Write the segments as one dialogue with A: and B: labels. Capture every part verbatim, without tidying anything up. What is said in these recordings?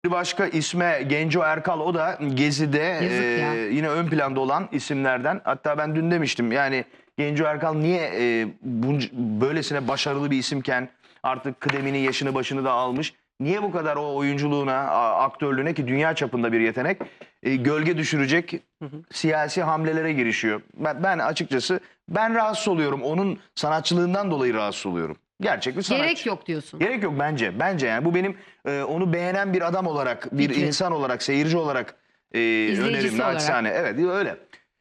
A: Bir başka isme Genco Erkal, o da Gezi'de e, yine ön planda olan isimlerden. Hatta ben dün demiştim yani Genco Erkal niye e, bunca, böylesine başarılı bir isimken artık kıdemini, yaşını, başını da almış. Niye bu kadar o oyunculuğuna, aktörlüğüne, ki dünya çapında bir yetenek, e, gölge düşürecek hı hı. siyasi hamlelere girişiyor. Ben, ben açıkçası ben rahatsız oluyorum. Onun sanatçılığından dolayı rahatsız oluyorum. Gerçek bir sanatçı.
B: Gerek yok diyorsun.
A: Gerek yok bence. Bence yani bu benim e, onu beğenen bir adam olarak, bir
B: Fikri.
A: insan olarak, seyirci olarak e, önerim. Naçizane. Evet öyle.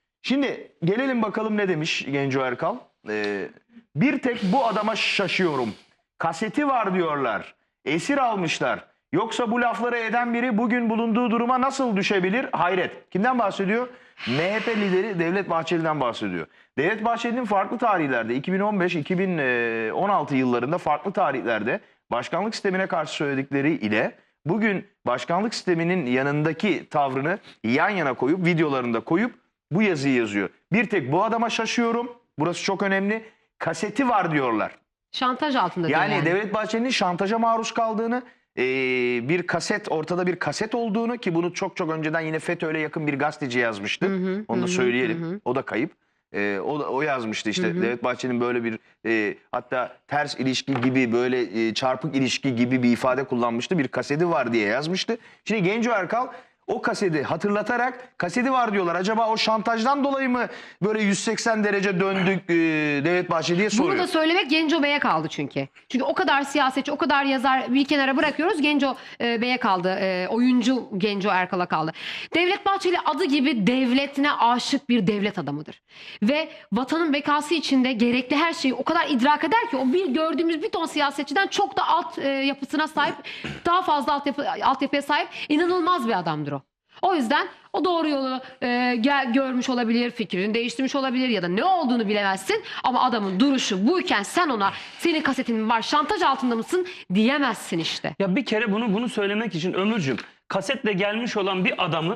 A: Şimdi gelelim bakalım ne demiş Genco Erkal. E, bir tek bu adama şaşıyorum. Kaseti var diyorlar. Esir almışlar. Yoksa bu lafları eden biri bugün bulunduğu duruma nasıl düşebilir? Hayret. Kimden bahsediyor? M H P lideri Devlet Bahçeli'den bahsediyor. Devlet Bahçeli'nin farklı tarihlerde iki bin on beş iki bin on altı yıllarında farklı tarihlerde başkanlık sistemine karşı söyledikleri ile bugün başkanlık sisteminin yanındaki tavrını yan yana koyup videolarında koyup bu yazıyı yazıyor. Bir tek bu adama şaşıyorum. Burası çok önemli. Kaseti var diyorlar.
B: Şantaj altında diyor
A: yani.
B: Yani
A: Devlet Bahçeli'nin şantaja maruz kaldığını, e, bir kaset, ortada bir kaset olduğunu, ki bunu çok çok önceden yine FETÖ'yle yakın bir gazeteci yazmıştı. Hı hı, Onu da hı, söyleyelim. Hı. O da kayıp. E, o, da, o yazmıştı işte. Hı hı. Devlet Bahçeli'nin böyle bir e, hatta ters ilişki gibi, böyle e, çarpık ilişki gibi bir ifade kullanmıştı. Bir kaseti var diye yazmıştı. Şimdi Genco Erkal o kaseti hatırlatarak kaseti var diyorlar. Acaba o şantajdan dolayı mı böyle yüz seksen derece döndük e, Devlet Bahçeli diye soruyor.
B: Bunu da söylemek Genco Bey'e kaldı çünkü. Çünkü o kadar siyasetçi, o kadar yazar bir kenara bırakıyoruz. Genco e, Bey'e kaldı. E, oyuncu Genco Erkal'a kaldı. Devlet Bahçeli adı gibi devletine aşık bir devlet adamıdır. Ve vatanın bekası içinde gerekli her şeyi o kadar idrak eder ki o bir gördüğümüz bir ton siyasetçiden çok da alt e, yapısına sahip, daha fazla altyapı, altyapıya sahip inanılmaz bir adamdır o. O yüzden o doğru yolu e, gel, görmüş olabilir, fikrini değiştirmiş olabilir ya da ne olduğunu bilemezsin. Ama adamın duruşu buyken sen ona senin kasetin var, şantaj altında mısın diyemezsin işte.
C: Ya bir kere bunu bunu söylemek için Ömürcüğüm, kasetle gelmiş olan bir adamı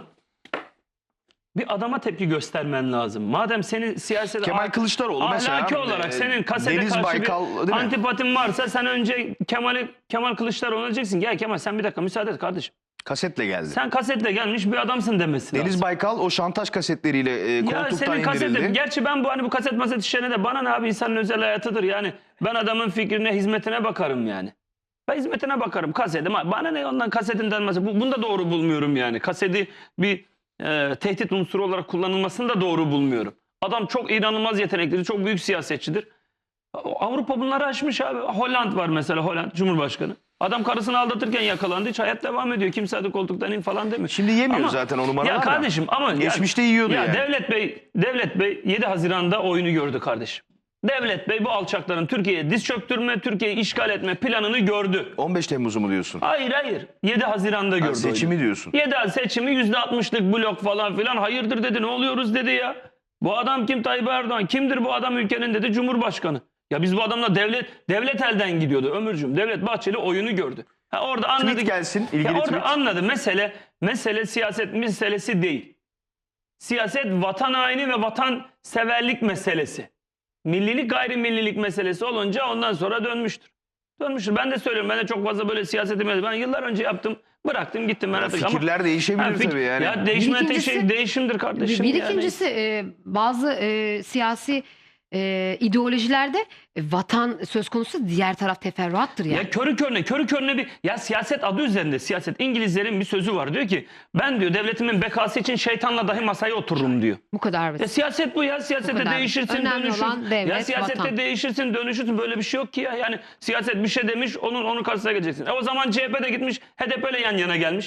C: bir adama tepki göstermen lazım. Madem senin siyasete
A: Kemal Kılıçdaroğlu mesela
C: ahlaki olarak e, senin kasete
A: Deniz
C: karşı
A: Baykal,
C: bir antipatin varsa sen önce Kemal Kemal Kılıçdaroğlu'na diyeceksin. Gel Kemal sen bir dakika müsaade et kardeşim.
A: Kasetle geldi.
C: Sen kasetle gelmiş bir adamsın demesi
A: Deniz
C: lazım.
A: Baykal o şantaj kasetleriyle e, koltuktan
C: ya senin
A: indirildi.
C: kasetin, gerçi ben bu hani bu kaset maset işlerine de bana ne abi, insanın özel hayatıdır yani. Ben adamın fikrine, hizmetine bakarım yani. Ben hizmetine bakarım, kasetim. Bana ne ondan kasetin denmesi. Bu, bunu da doğru bulmuyorum yani. Kaseti bir e, tehdit unsuru olarak kullanılmasını da doğru bulmuyorum. Adam çok inanılmaz yeteneklidir, çok büyük siyasetçidir. Avrupa bunları aşmış abi. Hollanda var mesela, Hollanda Cumhurbaşkanı. Adam karısını aldatırken yakalandı. Hiç hayat devam ediyor. Kimse hadi koltuktan in falan demiyor.
A: Şimdi yemiyor
C: ama,
A: zaten o numaralar.
C: Ya kardeşim ama
A: geçmişte
C: ya,
A: yiyordu
C: ya
A: yani.
C: Devlet Bey, Devlet Bey yedi Haziran'da oyunu gördü kardeşim. Devlet Bey bu alçakların Türkiye'ye diz çöktürme, Türkiye'yi işgal etme planını gördü.
A: on beş Temmuz'u mu diyorsun?
C: Hayır hayır. yedi Haziran'da gördü. Ha,
A: seçimi
C: oyunu.
A: diyorsun.
C: yedi seçimi yüzde altmışlık blok falan filan. Hayırdır dedi, ne oluyoruz dedi ya. Bu adam kim? Tayyip Erdoğan. Kimdir bu adam ülkenin dedi, Cumhurbaşkanı. Ya biz bu adamla devlet devlet elden gidiyordu Ömürcüğüm. Devlet Bahçeli oyunu gördü. Ha orada anladı.
A: Tweet gelsin. İlgili
C: ya orada
A: tweet.
C: anladı. Mesele mesele siyaset meselesi değil. Siyaset vatan haini ve vatan severlik meselesi. Millilik gayrimillilik meselesi olunca ondan sonra dönmüştür. Dönmüştür. Ben de söylüyorum. Ben de çok fazla böyle siyaseti ben yıllar önce yaptım. Bıraktım gittim ben artık.
A: Fikirler
C: ama,
A: değişebilir
C: ha, fik
A: tabii yani.
C: Ya değişme tek
B: ikincisi,
C: şey değişimdir kardeşim.
B: Bir
C: yani.
B: ikincisi e, bazı e, siyasi e, ideolojilerde e, vatan söz konusu, diğer taraf teferruattır yani.
C: Ya körü körüne, körü körüne bir ya siyaset adı üzerinde siyaset. İngilizlerin bir sözü var. Diyor ki ben diyor devletimin bekası için şeytanla dahi masaya otururum diyor.
B: Bu kadar basit.
C: Ya siyaset bu ya. Siyasette değişirsin,
B: Önemli
C: dönüşürsün.
B: olan devlet,
C: ya siyasette
B: vatan.
C: değişirsin, dönüşürsün. Böyle bir şey yok ki ya. Yani siyaset bir şey demiş, onun onun karşısına geleceksin. E o zaman C H P de gitmiş, H D P ile yan yana gelmiş.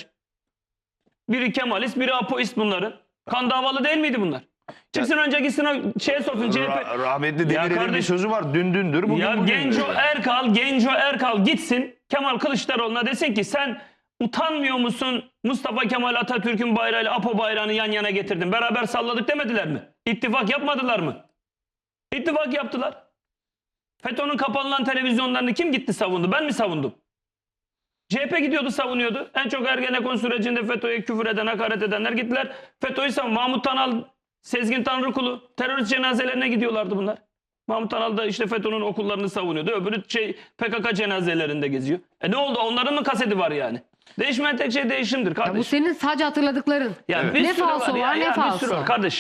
C: Biri Kemalist, biri Apoist bunların. Kan davalı değil miydi bunlar? Çıksın önce gitsin o şeye sorsun C H P.
A: Ra rahmetli Demirel'in bir sözü var. Dün dündür, bugün
C: ya
A: bugündür.
C: Genco Erkal, Genco Erkal gitsin Kemal Kılıçdaroğlu'na desin ki sen utanmıyor musun? Mustafa Kemal Atatürk'ün bayrağıyla Apo bayrağını yan yana getirdin. Beraber salladık demediler mi? İttifak yapmadılar mı? İttifak yaptılar. FETÖ'nün kapanılan televizyonlarını kim gitti savundu? Ben mi savundum? C H P gidiyordu, savunuyordu. En çok Ergenekon sürecinde FETÖ'ye küfür eden, hakaret edenler gittiler. FETÖ'yü savun. Mahmut Tanal, Sezgin Tanrıkulu terörist cenazelerine gidiyorlardı bunlar. Mahmut Tanal da işte FETÖ'nün okullarını savunuyordu. Öbürü şey P K K cenazelerinde geziyor. E ne oldu? Onların mı kaseti var yani? Değişmeyen tek şey değişimdir
B: Ya
C: kardeşim.
B: bu senin sadece hatırladıkların.
C: Ya
A: Evet.
C: bir
B: Ne
C: sürü
B: falso
C: ya,
B: var, ne
C: ya bir sürü
B: falso.
C: var kardeş.